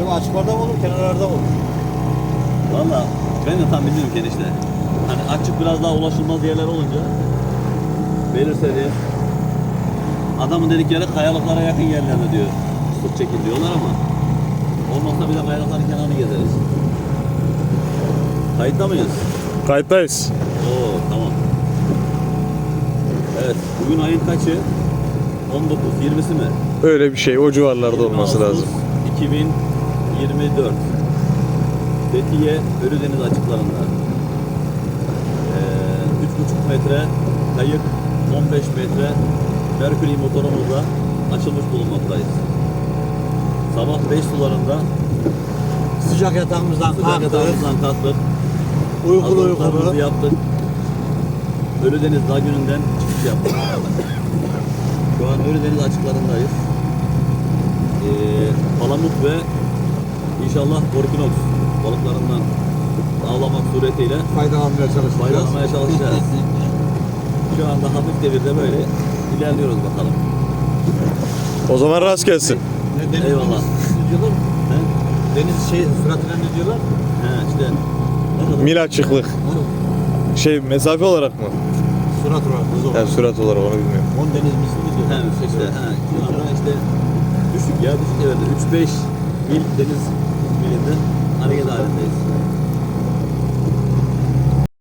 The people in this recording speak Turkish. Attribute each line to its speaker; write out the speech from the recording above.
Speaker 1: bu açıklarda mı olur, kenarlarda mı olur?
Speaker 2: Valla ben de tam bilmiyorum ki enişte. Hani açık biraz daha ulaşılmaz yerler olunca belirse diye adamın dedikleri kayalıklara yakın yerlerde diyor sırt çekin diyorlar ama olmazsa bir de kayalıkların kenarını gezeriz. Kayıtta mıyız?
Speaker 3: Kayıttayız.
Speaker 2: Oo tamam. Evet bugün ayın kaçı? 19, 20'si mi?
Speaker 3: Öyle bir şey. O civarlarda
Speaker 2: 20
Speaker 3: olması
Speaker 2: Ağustos
Speaker 3: lazım.
Speaker 2: 2024 Fethiye Ölüdeniz açıklarında 3,5 metre kayık, 15 metre Mercury motorumuzla açılmış bulunmaktayız. Sabah 5 sularında
Speaker 1: Sıcak yatağımızdan kalktık.
Speaker 2: kalktık.
Speaker 1: Uykulu
Speaker 2: Hazırlıklarımızı yaptık. Ölüdeniz Lagünü'nden çıkış yaptık. Şu an Ölüdeniz açıklarındayız. Palamut ve inşallah Orkinox balıklarından avlamak suretiyle faydalanmaya çalışacağız. Şu anda hafif devirde böyle ilerliyoruz bakalım.
Speaker 3: O zaman rast gelsin.
Speaker 1: Deniz
Speaker 2: Eyvallah.
Speaker 1: Ne diyorlar?
Speaker 2: He?
Speaker 1: Deniz süratine ne diyorlar?
Speaker 2: He işte. Ne kadar?
Speaker 3: Mil açıklık. Mesafe olarak mı?
Speaker 1: Sürat olarak hız olarak.
Speaker 3: Yani sürat olarak onu bilmiyorum.
Speaker 1: 10 deniz misli mi diyorlar?
Speaker 2: He işte. He. Şu anda işte düşük ya düşük. Evet 3-5 mil deniz milinde hareket halindeyiz.